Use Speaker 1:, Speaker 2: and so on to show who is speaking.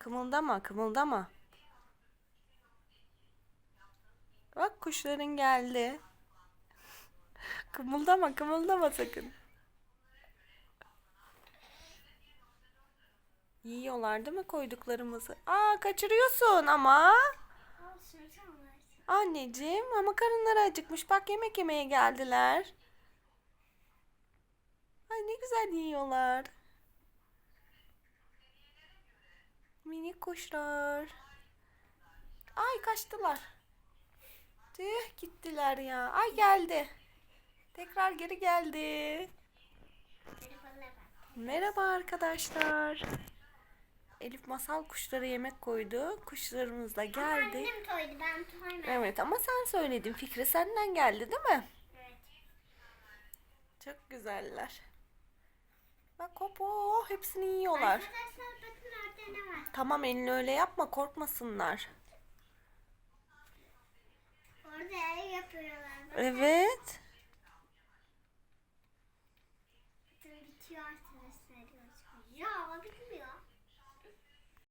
Speaker 1: kımıldama, kımıldama. Bak kuşların geldi. Kımıldama, kımıldama sakın. Yiyorlar değil mi koyduklarımızı? Aa, kaçırıyorsun ama. Anneciğim ama karınları acıkmış. Bak yemek yemeye geldiler. Ay ne güzel yiyorlar. Minik kuşlar. Ay kaçtılar. Tüh gittiler ya. Ay geldi. Tekrar geri geldi. Merhaba arkadaşlar. Elif masal kuşlara yemek koydu. Kuşlarımız da geldi.
Speaker 2: Annem koydu, ben koymadım.
Speaker 1: Evet ama sen söyledin. Fikri senden geldi değil mi?
Speaker 2: Evet.
Speaker 1: Çok güzeller. Bak hop oh, hepsini yiyorlar.
Speaker 2: Arkadaşlar bakın orada ne var?
Speaker 1: Tamam elini öyle yapma korkmasınlar.
Speaker 2: Orada ev yapıyorlar. Bakın.
Speaker 1: Evet.
Speaker 2: Bakın bitiyor arkadaşlar. Ya bitmiyor.